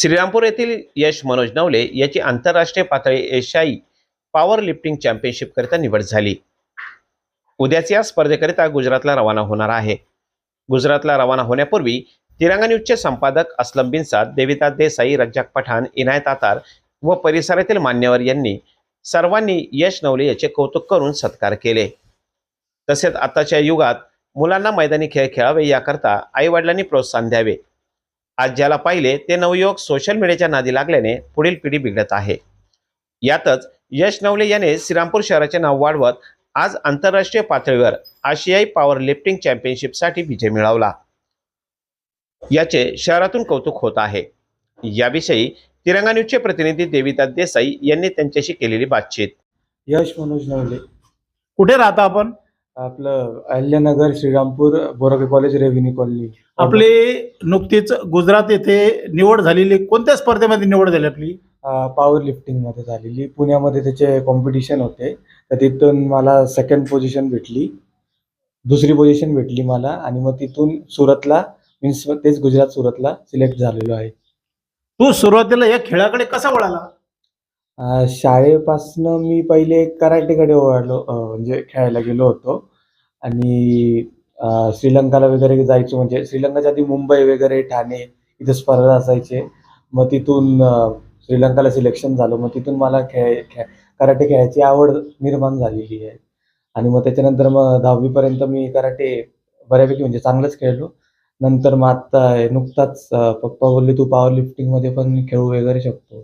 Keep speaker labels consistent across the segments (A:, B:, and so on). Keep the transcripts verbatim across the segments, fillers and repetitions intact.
A: श्रीरामपूर येथील यश मनोज नवले याची आंतरराष्ट्रीय पातळी एशियाई पॉवर लिफ्टिंग चॅम्पियनशिप करिता निवड झाली। उद्याच या स्पर्धेकरिता गुजरातला रवाना होणार आहे। गुजरातला रवाना होण्यापूर्वी तिरंगा न्यूजचे संपादक असलम बिनसाद, देविदास देसाई, रज्जाक पठाण, इनायत आतार व परिसरातील मान्यवर यांनी सर्वांनी यश नवले याचे कौतुक करून सत्कार केले। तसेच आताच्या युगात मुलांना मैदानी खेळ खेळावे याकरता आई वडिलांनी प्रोत्साहन द्यावे। आज ज्याला पाहिले ते नवयुवक सोशल मीडियाच्या नादी लागल्याने पुढील पिढी बिघडत आहे। यातच यश नवले याने श्रीरामपूर शहराचे नाव वाढवत आज आंतरराष्ट्रीय पातळीवर आशियाई पॉवर लिफ्टिंग चॅम्पियनशिपसाठी विजय मिळवला। याचे शहरातून कौतुक होत आहे। याविषयी तिरंगा न्यूजचे प्रतिनिधी देविदास देसाई यांनी त्यांच्याशी केलेली बातचीत।
B: यश मनोज नवले,
C: कुठे राहता आपण?
B: आपलं Ahilyanagar, Shrirampur, Borake college, revenue colony.
C: आपली नुकतीच गुजरात येथे निवड झालेली, कोणत्या स्पर्धेमध्ये निवड झाली आपली?
B: पॉवर लिफ्टिंग मध्ये झालेली। पुण्यामध्ये त्याचे कॉम्पिटिशन होते, तर तिथून मला सेकंड पोझिशन भेटली, दुसरी पोझिशन भेटली मला, आणि मग तिथून सुरतला मीन्स तेच गुजरात सुरतला सिलेक्ट झालेलो आहे।
C: तू सुरुवातीला या खेळाकडे कसा वळाला?
B: अं, शाळेपासनं मी पहिले कराटेकडे वळलो, अं, म्हणजे खेळायला गेलो होतो, आणि अं, श्रीलंकाला वगैरे जायचो। म्हणजे श्रीलंकाच्या आधी मुंबई वगैरे, ठाणे इथे स्पर्धा असायचे। मग तिथून अं, श्रीलंकाला सिलेक्शन झालं। मग तिथून मला खेळ खेळ कराटे खेळायची आवड निर्माण झालेली आहे। आणि मग त्याच्यानंतर मग दहावीपर्यंत मी कराटे बऱ्यापैकी म्हणजे चांगलंच खेळलो। नंतर मग आत्ता नुकताच अं, पप्पा बोलले तू पॉवर लिफ्टिंगमध्ये पण खेळू वगैरे शकतो,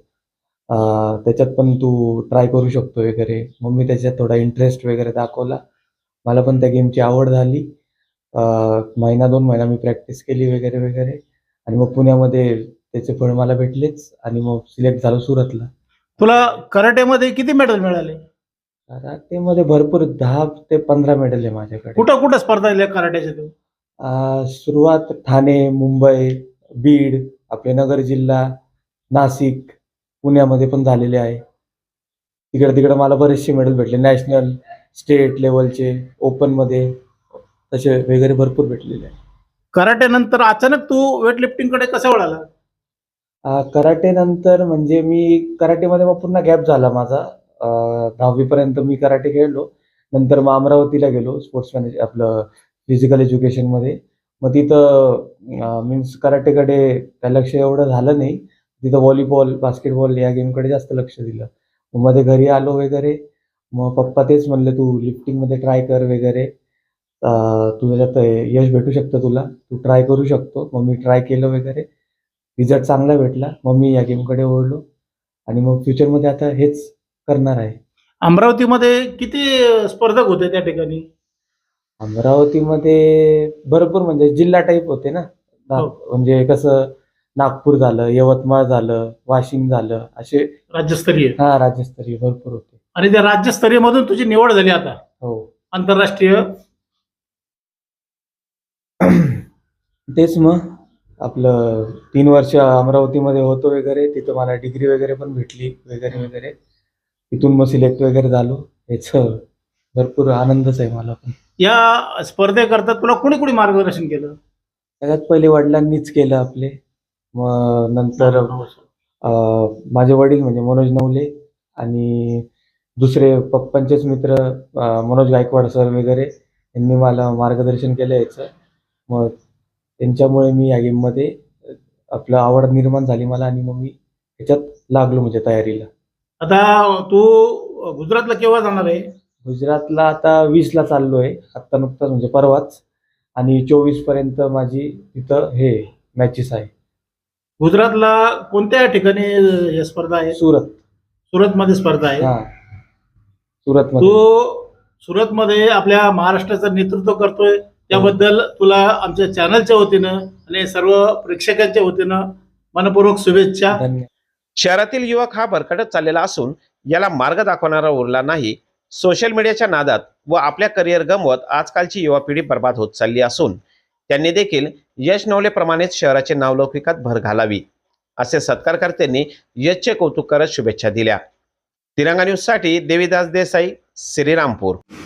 B: अं, त्याच्यात पण तू ट्राय करू शकतो वगैरे। मग मी त्याच्यात थोडा इंटरेस्ट वगैरे दाखवला, मला पण त्या गेमची आवड झाली। अं, महिना दोन महिना मी प्रॅक्टिस केली वगैरे वगैरे, आणि मग पुण्यामध्ये त्याचे फळ मला भेटलेच, आणि मग सिलेक्ट झालो सुरतला।
C: तुला कराटेमध्ये किती मेडल मिळाले?
B: कराटेमध्ये भरपूर दहा ते पंधरा मेडल आहे माझ्याकडे।
C: कुठं कुठं स्पर्धा झाल्या कराट्याच्या तू?
B: अं, सुरुवात ठाणे, मुंबई, बीड, आपले नगर जिल्हा, नाशिक, पुण्यामध्ये पण झालेले आहे। तिकडे तिकडे मला बरेचसे मेडल भेटले, नॅशनल, स्टेट लेवलचे, ओपनमध्ये तसे वगैरे भरपूर भेटलेले आहे।
C: कराटे नंतर अचानक तू वेट लिफ्टिंग कडे कसा वळाला?
B: अं, कराटे नंतर म्हणजे मी कराटेमध्ये मग पुन्हा गॅप झाला माझा। अं, दहावीपर्यंत मी कराटे खेळलो, नंतर मग अमरावतीला गेलो स्पोर्ट्स मॅनेज आपलं फिजिकल एज्युकेशनमध्ये। मग तिथं मीन्स कराटेकडे काय लक्ष एवढं झालं नाही, तिथं व्हॉलीबॉल, बास्केटबॉल या गेमकडे जास्त लक्ष दिलं। मग मध्ये घरी आलो वगैरे, मग पप्पा तेच म्हणले तू लिफ्टिंगमध्ये ट्राय कर वगैरे, अं, तू त्याच्यात यश भेटू शकतं तुला, तू ट्राय करू शकतो। मग मी ट्राय केलं वगैरे, रिझल्ट चांगला भेटला। मग मी या गेमकडे ओढलो, आणि मग फ्युचरमध्ये आता हेच करणार आहे।
C: अमरावतीमध्ये किती स्पर्धक होते त्या ठिकाणी?
B: अमरावतीमध्ये भरपूर म्हणजे जिल्हा टाईप होते ना, ना-
C: हो.
B: म्हणजे कसं नागपूर झालं, यवतमाळ झालं, वाशिम झालं, असे
C: राज्यस्तरीय?
B: हा राज्यस्तरीय भरपूर होते।
C: आणि त्या राज्यस्तरीय मधून तुझी निवड झाली आता
B: हो
C: आंतरराष्ट्रीय?
B: तेच मग आपलं तीन वर्ष अमरावतीमध्ये होतो वगैरे, तिथं मला डिग्री वगैरे पण भेटली वगैरे वगैरे, तिथून मग सिलेक्ट वगैरे झालो। याच भरपूर आनंदच आहे मला पण।
C: या स्पर्धेकरता तुला कोणी कोणी मार्गदर्शन केलं?
B: सगळ्यात पहिले वडिलांनीच केलं आपले, मग नंतर अं, माझे वडील म्हणजे मनोज नवले, आणि दुसरे पप्पांचेच मित्र अं, मनोज गायकवाड सर वगैरे, यांनी मला मार्गदर्शन केलं याचं। मग त्यांच्यामुळे मी या गेममध्ये आपलं आवड निर्माण झाली मला, आणि मग मी ह्याच्यात लागलो म्हणजे तयारीला।
C: आता तू गुजरातला केव्हा जाणार आहे?
B: गुजरातला आता वीसला चाललो आहे, आत्ता नुकताच म्हणजे परवाच, आणि चोवीस पर्यंत माझी तिथं हे मॅचेस आहे।
C: गुजरातला कोणत्या ठिकाणी या स्पर्धा आहे?
B: सुरत।
C: सुरतमध्ये स्पर्धा आहे?
B: हा, सुरतमध्ये।
C: तू सुरतमध्ये आपल्या महाराष्ट्राचं नेतृत्व करतोय, त्याबद्दल तुला आमच्या चॅनलच्या वतीनं आणि सर्व प्रेक्षकांच्या वतीनं मनपूर्वक शुभेच्छा।
B: धन्यवाद।
A: शहरातील युवक हा भरकटत चाललेला असून याला मार्ग दाखवणारा उरला नाही। सोशल मीडियाच्या नादात व आपल्या करिअर गमवत आजकालची युवा पिढी बर्बाद होत चालली असून त्यांनी देखील यश नवलेप्रमाणेच शहराचे नावलौकिकात भर घालावी असे सत्कारकर्त्यांनी यशचे कौतुक करत शुभेच्छा दिल्या। तिरंगा न्यूज साठी देविदास देसाई, श्रीरामपूर।